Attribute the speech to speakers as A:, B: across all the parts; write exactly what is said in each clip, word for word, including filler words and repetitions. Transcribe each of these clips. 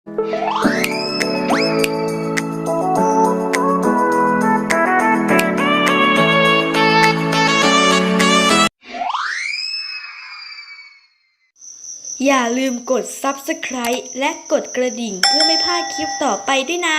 A: อย่าลืมกด ซับสไครบ์ และกดกระดิ่งเพื่อไม่พลาดคลิปต่อไปด้วยนะ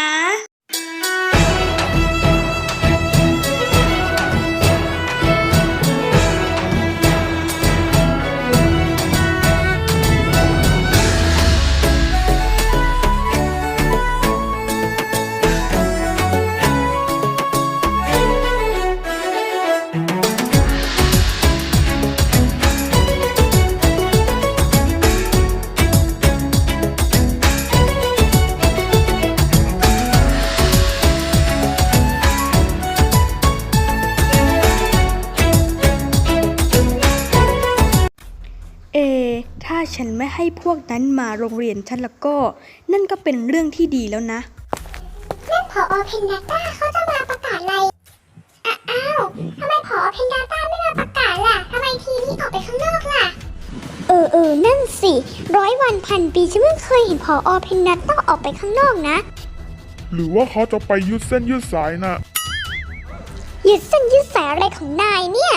A: เอถ้าฉันไม่ให้พวกนั้นมาโรงเรียนฉันแล้วก็นั่นก็เป็นเรื่องที่ดีแล้วนะ
B: นั่นผอ.เพนดาต้าเขาจะมาประกาศอะไรอ้าวทำไมผอ.เพนดาต้าไม่มาประกาศล่ะทำไมทีนี้ออกไปข้างนอกล่ะเออเออนั่นสิร้อยวันพันปีฉันไม่เคยเห็นผอ.เพนดาต้าออกไปข้างนอกนะ
C: หรือว่าเขาจะไปยืดเส้นยืดสายน่ะ
B: ยืดเส้นยืดสายอะไรของนายเนี่ย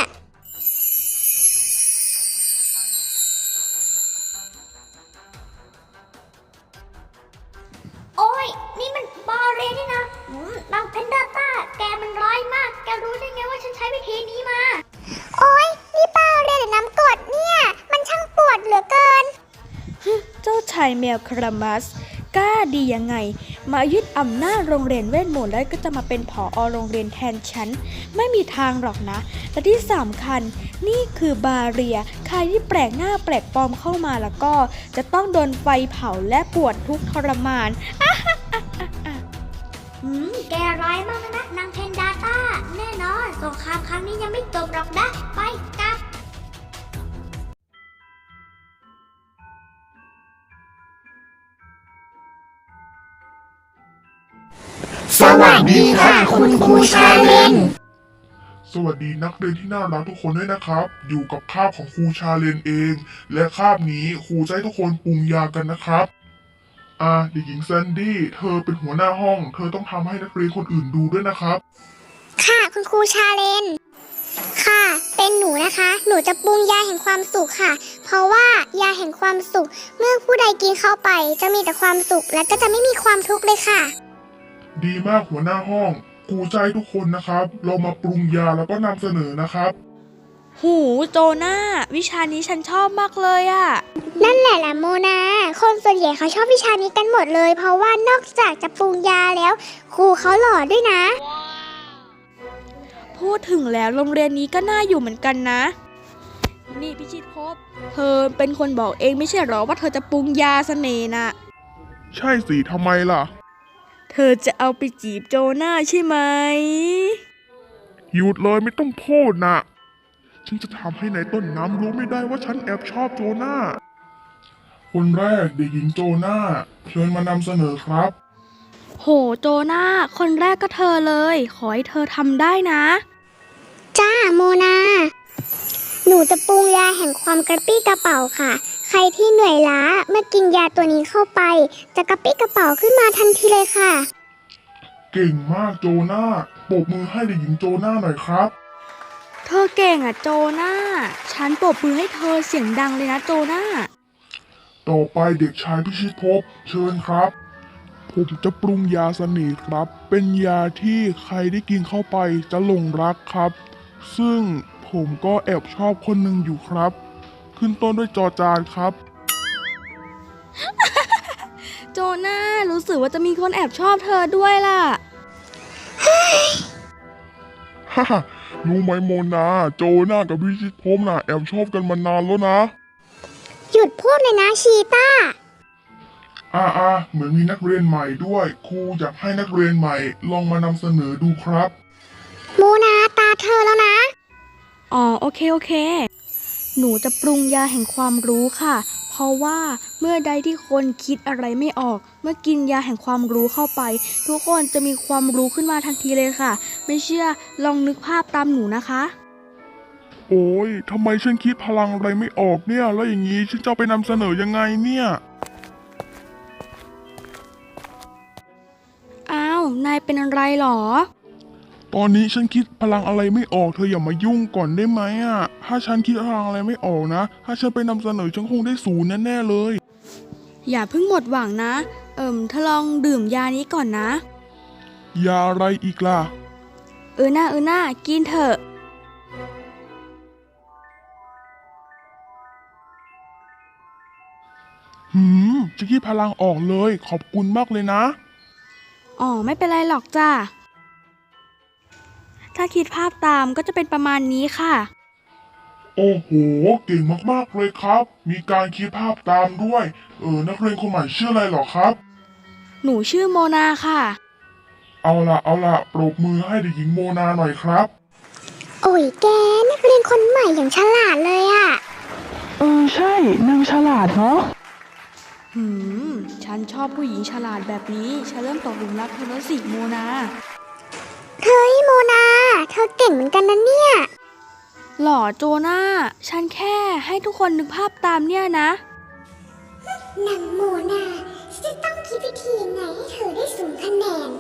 B: โอ้ยนี่มันบาเรนี่นะนางเพนดาต้าแกมันร้ายมากแกรู้ได้ไงว่าฉันใช้วิธีนี้มาโอ้ยนี่บาเรหรือน้ำกรดเนี่ยมันช่างปวดเหลือเกิน
A: เจ้าชายแมวคารามัสกล้าดียังไงมายึดอำนาจโรงเรียนเวทมนต์แล้วก็จะมาเป็นผอ.โรงเรียนแทนฉันไม่มีทางหรอกนะและที่สำคัญนี่คือบาเรียใครที่แปลกหน้าแปลกปลอมเข้ามาแล้วก็จะต้องโดนไฟเผาและปวดทุกข์ทรมาน
B: หืมแกร้ายมากนะนางเพนดาต้าแน่นอนสงครามครั้งนี้ยังไม่จบหรอกนะไปกลับ
D: สวัสดีค่ะคุณครูชาเลน
C: สวัสดีนักเรียนที่น่ารักทุกคนด้วยนะครับอยู่กับคาบของครูชาเลนเองและคาบนี้ครูจะให้ทุกคนปรุงยากันนะครับอ่าเด็กหญิงแซนดี้เธอเป็นหัวหน้าห้องเธอต้องทำให้นักเรียนคนอื่นดูด้วยนะครับ
B: ค่ะคุณครูชาเลนค่ะเป็นหนูนะคะหนูจะปรุงยาแห่งความสุขค่ะเพราะว่ายาแห่งความสุขเมื่อผู้ใดกินเข้าไปจะมีแต่ความสุขและก็จะไม่มีความทุกข์เลยค่ะ
C: ดีมากหัวหน้าห้องครูใจทุกคนนะครับเรามาปรุงยาแล้วก็นำเสนอนะครับ
A: หูโจนาวิชานี้ฉันชอบมากเลยอะ
B: นั่นแหละล่ะโมนาคนส่วนใหญ่เขาชอบวิชานี้กันหมดเลยเพราะว่านอกจากจะปรุงยาแล้วครูเขาหล่อด้วยนะ
A: พูดถึงแล้วโรงเรียนนี้ก็น่าอยู่เหมือนกันนะนี่พิชิตภพเธอเป็นคนบอกเองไม่ใช่หรอว่าเธอจะปรุงยาเสน่ห์น่ะ
C: ใช่สิทำไมล่ะ
A: เธอจะเอาไปจีบโจนาใช่ไหม
C: หยุดเลยไม่ต้องพูดนะฉันจะทำให้นายต้นน้ำรู้ไม่ได้ว่าฉันแอบชอบโจนาคนแรกเด็กหญิงโจนาเชิญมานำเสนอครับ
A: โหโจนาคนแรกก็เธอเลยขอให้เธอทำได้นะ
B: จ้าโมนาหนูจะปรุงยาแห่งความกระปี้กระเป๋าค่ะใครที่เหนื่อยล้าเมื่อกินยาตัวนี้เข้าไปจะกระปี้กระเป๋าขึ้นมาทันทีเลยค่ะ
C: เก่งมากโจนาปรบมือให้เด็กหญิงโจนาหน่อยครับ
A: เธอเก่งอ่ะโจนาฉันปรบมือให้เธอเสียงดังเลยนะโจนา
C: ต่อไปเด็กชายพิชิตภพเชิญครับผมจะปรุงยาเสน่ห์ครับเป็นยาที่ใครได้กินเข้าไปจะหลงรักครับซึ่งผมก็แอบชอบคนหนึ่งอยู่ครับขึ้นต้นด้วยจอจานครับ
A: โจนารู้สึกว่าจะมีคนแอบชอบเธอด้วยล่ะ
C: ฮ่ารู้ไหมโมนาโจนากับพิชิตภพน่ะแอบชอบกันมานานแล้วนะ
B: หยุดพูดเลยนะชีต้า
C: อ่าอ่าเหมือนมีนักเรียนใหม่ด้วยครูอยากให้นักเรียนใหม่ลองมานำเสนอดูครับ
B: โมนาตาเธอแล้วนะ
A: อ๋อโอเคโอเคหนูจะปรุงยาแห่งความรู้ค่ะเพราะว่าเมื่อใดที่คนคิดอะไรไม่ออกเมื่อกินยาแห่งความรู้เข้าไปทุกคนจะมีความรู้ขึ้นมาทันทีเลยค่ะไม่เชื่อลองนึกภาพตามหนูนะคะ
C: โอ้ยทำไมฉันคิดพลังอะไรไม่ออกเนี่ยแล้วอย่างนี้ฉันจะไปนำเสนอยังไงเนี่ย
A: นายเป็นอะไรหรอ
C: ตอนนี้ฉันคิดพลังอะไรไม่ออกเธออย่ามายุ่งก่อนได้ไหมอ่ะ ถ้าฉันคิดพลังอะไรไม่ออกนะ ถ้าฉันไปนำเสนอฉันคงได้ศูนย์แน่ๆเลย
A: อย่าเพิ่งหมดหวังนะ เอิ่มเธอลองดื่มยานี้ก่อนนะ
C: ยาอะไรอีกล่ะ
A: เออหน้าเออหน้ากินเถอะ
C: หืมจะคิดพลังออกเลย ขอบคุณมากเลยนะ
A: อ๋อไม่เป็นไรหรอกจ้าถ้าคิดภาพตามก็จะเป็นประมาณนี้ค่ะ
C: โอ้โห เก่งมากๆเลยครับ มีการคิดภาพตามด้วย เออ นักเรียนคนใหม่ชื่ออะไรเหรอครับ
A: หนูชื่อโมนาค่ะ
C: เอาละเอาละปรบมือให้เด็กหญิงโมนาหน่อยครับ
B: โอ้ยแกนักเรียนคนใหม่อย่างฉลาดเลยอะ
E: เออใช่นางฉลาดเนาะ
A: หืม ฉันชอบผู้หญิงฉลาดแบบนี้ ฉันเริ่มตกหลุมรักเธอแล้วสิโมนา
B: เฮ้ยโมนา เธอเก่งเหมือนกันนะเนี่ย
A: หล่อโจนาฉันแค่ให้ทุกคนนึกภาพตามเนี่ยนะ
B: นางโมนาฉันจะต้องคิดวิธียังไงให้เธอได้สูงคะแนน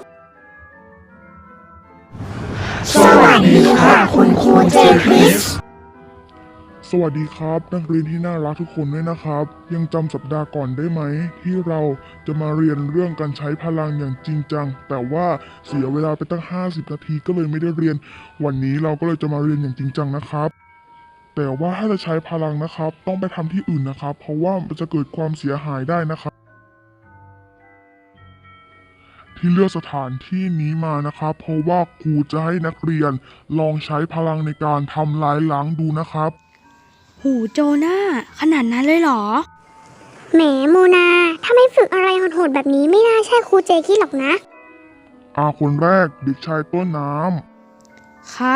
D: สวัสดีค่ะคุณครูเจคริส
C: สวัสดีครับ นักเรียนที่น่ารักทุกคนด้วยนะครับ ยังจำสัปดาห์ก่อนได้ไหม ที่เราจะมาเรียนเรื่องการใช้พลังอย่างจริงจัง แต่ว่าเสียเวลาไปตั้งห้าสิบนาทีก็เลยไม่ได้เรียน วันนี้เราก็เลยจะมาเรียนอย่างจริงจังนะครับ แต่ว่าถ้าจะใช้พลังนะครับ ต้องไปทำที่อื่นนะครับ เพราะว่ามันจะเกิดความเสียหายได้นะครับ ที่เลือกสถานที่นี้มานะครับ เพราะว่าครูจะให้นักเรียนลองใช้พลังในการทำลายล้างดูนะครับ
A: หูโจนาขนาดนั้นเลยเหรอ
B: แหมโมนา ถ้าไม่ฝึกอะไรโหดๆแบบนี้ไม่น่าใช่ครูเจคิดหรอกนะ
C: อาคนแรกเด็กชายต้นน้
A: ครับ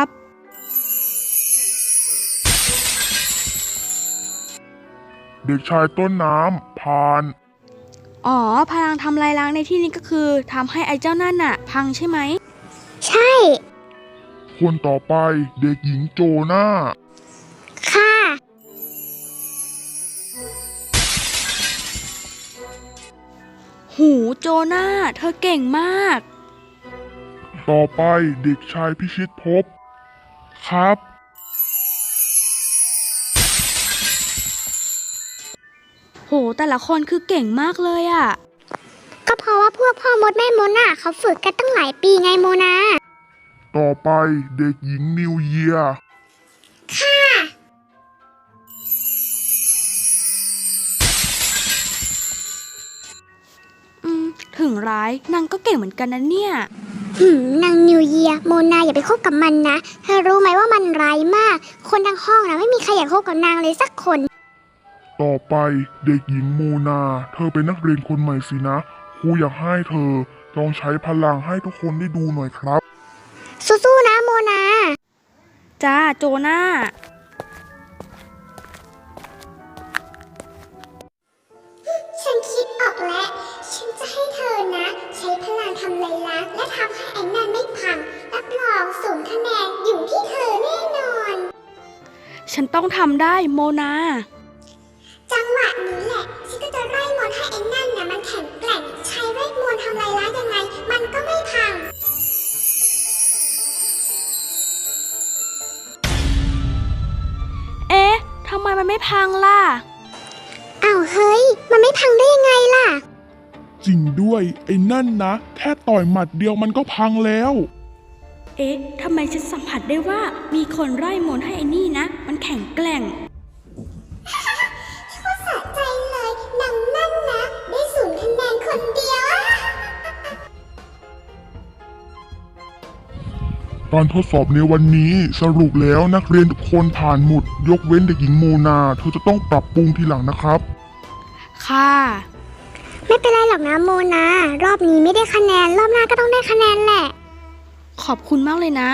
C: ำ เด็กชายต้นน้ำผ่าน
A: อ๋อ พลังทำลายล้างในที่นี้ก็คือทำให้ไอ้เจ้านั่นน่ะ พังใช่ไหม
B: ใช่
C: คนต่อไปเด็กหญิงโจนา
B: ค่ะ
A: หูโจนาเธอเก่งมาก
C: ต่อไปเด็กชายพิชิตภพครับ
A: โห แต่ละคนคือเก่งมากเลยอะ
B: ก็เพราะว่าพวกพ่อมดแม่มดน่ะเขาฝึกกันตั้งหลายปีไงโมนา
C: ต่อไปเด็กหญิงนิวเยียร์
B: ค่ะ
A: อืม ถึงร้ายนางก็เก่งเหมือนกันนะเนี่ย
B: หืมนางนิวเยียร์โมนาอย่าไปคบกับมันนะ เธอรู้ไหมว่ามันร้ายมาก คนทั้งห้องนะไม่มีใครอยากคบกับนางเลยสักคน
C: ต่อไปเด็กหญิงโมนา เธอเป็นนักเรียนคนใหม่สินะ ครูอยากให้เธอลองใช้พลังให้ทุกคนได้ดูหน่อยครับ
B: สู้ๆนะโมนา
A: จ้าโจนา
B: ฉันคิดออกแล้ว ฉันจะให้เธอนะ ใช้พลังทำลายล้างและทำให้ไอ้นั่นไม่พัง รับรองสูงคะแนนอยู่ที่เธอแน่นอน
A: ฉันต้องทำได้โมนา
B: จังหวะนี้แหละ ฉันก็จะไล่มนต์ให้ไอ้นั่นนะมันแข็งแกร่ง ใช้เวทมนต์ทำลายล้างยังไง มันก็ไม่พัง
A: เอ๊ะทำไมมันไม่พังล่ะ
B: อ้าวเฮ้ย มันไม่พังได้ยังไงล่ะ
C: จริงด้วยไอ้นั่นนะ แค่ต่อยหมัดเดียวมันก็พังแล้ว
A: เอ๊ะทำไมฉันสัมผัสได้ว่ามีคนไล่มนต์ให้ไอ้นี่นะ มันแข็งแกร่ง
B: ก็สะใจเลยนางนั่นนะ ได้ศูนย์คะแนนคนเดียว
C: การทดสอบในวันนี้สรุปแล้วนักเรียนทุกคนผ่านหมด ยกเว้นเด็กหญิงโมนา เธอจะต้องปรับปรุงทีหลังนะครับ
A: ค่ะ
B: ไม่เป็นไรหรอกนะโมนา รอบนี้ไม่ได้คะแนน รอบหน้าก็ต้องได้คะแนนแหละ
A: ขอบคุณมากเลยนะ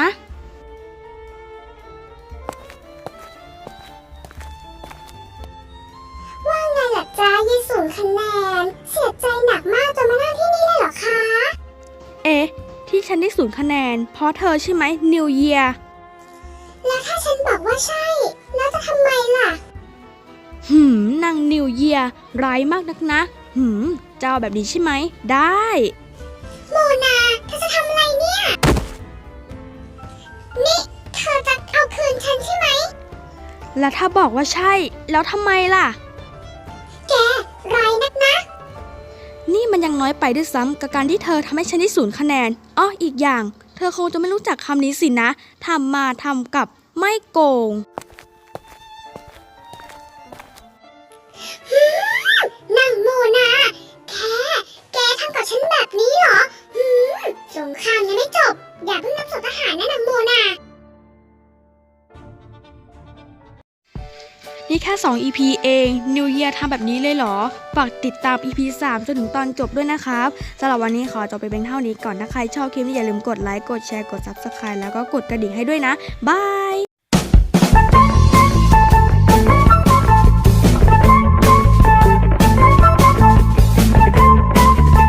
B: ว่าไงล่ะจ้ายี่ศูนย์คะแนน เสียใจหนักมากจนมานั่งที่นี่เลยเหรอคะ
A: เอ๊ะ ที่ฉันได้ศูนย์คะแนน เพราะเธอใช่ไหมนิวเยีย
B: แล้วถ้าฉันบอกว่าใช่ แล้วจะทำไมล่ะ
A: หืมนางนิวเยียร้ายมากนักนะ หืมจะเอาแบบนี้ใช่ไหม ได้
B: โมนาเธอจะทำ
A: แล้วถ้าบอกว่าใช่ แล้วทำไมล่ะ
B: แกไรายนักนะ
A: นี่มันยังน้อยไปด้วยซ้ำกับการที่เธอทำให้ฉันได้ศูนย์คะแนนอ้ออีกอย่าง เธอคงจะไม่รู้จักคำนี้สินะทำมาทำกับไม่โกง
B: นางโมนาแค่แกทำกับฉันแบบนี้เหรอหืมสงครามยังไม่จบ อย่าเพิ่งนับศพทหารนะนางโมนา
A: นี่แค่ สอง อี พี เอง New Year ทำแบบนี้เลยเหรอ ฝากติดตาม อี พี สามจนถึงตอนจบด้วยนะครับสำหรับวันนี้ขอจบไปเป็นเท่านี้ก่อน ถ้าใครชอบคลิปนี้อย่าลืมกดไลค์ กดแชร์ กด ซับสไครบ์ แล้วก็กดกระดิ่งให้ด้วยนะ บาย